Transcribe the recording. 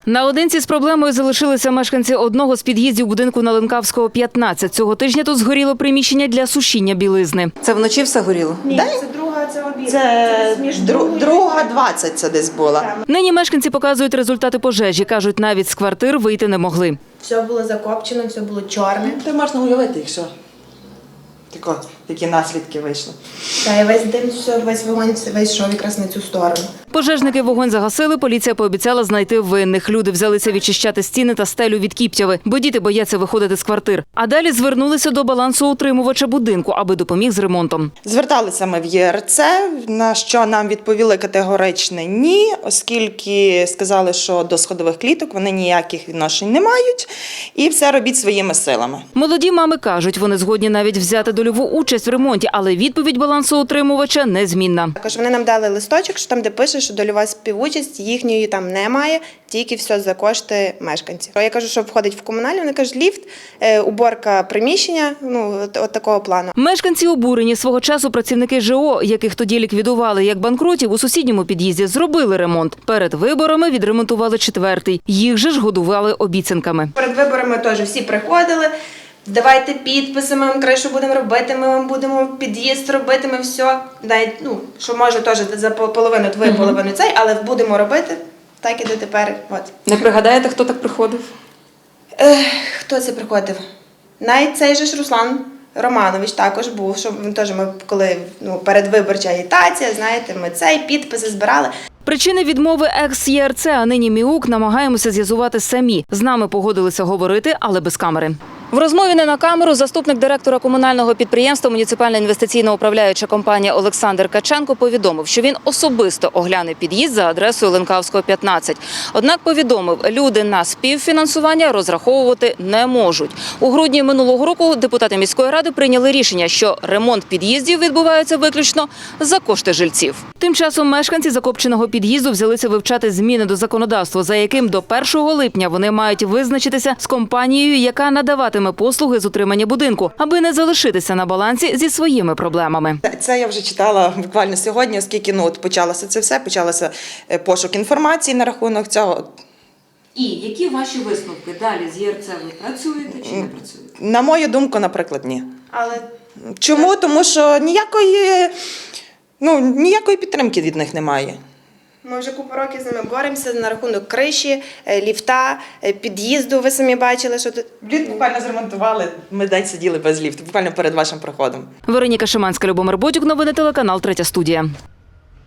Наодинці з проблемою залишилися мешканці одного з під'їздів будинку на Ленкавського, 15. Цього тижня тут згоріло приміщення для сушіння білизни. Це вночі все горіло? Ні, це друга, це обід. Це між друга 20 це десь була. Нині мешканці показують результати пожежі. Кажуть, навіть з квартир вийти не могли. Все було закопчено, все було чорне. Ти можна уявити, якщо такі наслідки вийшли. Та і весь дим, все, весь вогонь, весь йшов якраз на цю сторону. Пожежники вогонь загасили, поліція пообіцяла знайти винних. Люди взялися відчищати стіни та стелю від кіптяви, бо діти бояться виходити з квартир. А далі звернулися до балансоутримувача будинку, аби допоміг з ремонтом. Зверталися ми в ЄРЦ, на що нам відповіли категоричне ні, оскільки сказали, що до сходових кліток вони ніяких відношень не мають і все робіть своїми силами. Молоді мами кажуть, вони згодні навіть взяти дольову участь в ремонті, але відповідь балансоутримувача незмінна. Також вони нам дали листочок, що там, де пише, що дольова співучасть, їхньої там немає, тільки все за кошти мешканців. Я кажу, що входить в комунальні, вони кажуть, ліфт, уборка приміщення, от такого плану. Мешканці обурені. Свого часу працівники ЖО, яких тоді ліквідували як банкрутів, у сусідньому під'їзді зробили ремонт. Перед виборами відремонтували 4-й. Їх же ж годували обіцянками. Перед виборами теж всі приходили, давайте підписи, ми вам кришу будемо робити, ми вам будемо під'їзд робити, ми все. Навіть, що може теж за половину, твою половину цей, але будемо робити, так і до тепер. От. Не пригадаєте, хто так приходив? Хто це приходив? Навіть цей же ж Руслан Романович також був, що він теж ми, коли передвиборча агітація, знаєте, ми підписи збирали. Причини відмови екс-ЄРЦ, а нині МІУК, намагаємося з'ясувати самі. З нами погодилися говорити, але без камери. В розмові не на камеру заступник директора комунального підприємства «Муніципальна інвестиційна управляюча компанія» Олександр Каченко повідомив, що він особисто огляне під'їзд за адресою Ленкавського, 15. Однак повідомив, люди на співфінансування розраховувати не можуть. У грудні минулого року депутати міської ради прийняли рішення, що ремонт під'їздів відбувається виключно за кошти жильців. Тим часом мешканці закопченого під'їзду взялися вивчати зміни до законодавства, за яким до 1 липня вони мають визначитися з компанією, яка надаватиме послуги з утримання будинку, аби не залишитися на балансі зі своїми проблемами. Це я вже читала буквально сьогодні, оскільки почалося це все, почалося пошук інформації на рахунок цього. І які ваші висновки? Далі з ЄРЦ ви працюєте чи не працюєте? На мою думку, наприклад, ні. Але Чому? Тому що ніякої підтримки від них немає. ми вже купу років з ними боремося на рахунок криші, ліфта, під'їзду, ви самі бачили, що тут. Ліфт буквально зремонтували, ми день сиділи без ліфту, буквально перед вашим проходом. Вероніка Шиманська, Любомир Бодюк, новини телеканал «Третя студія».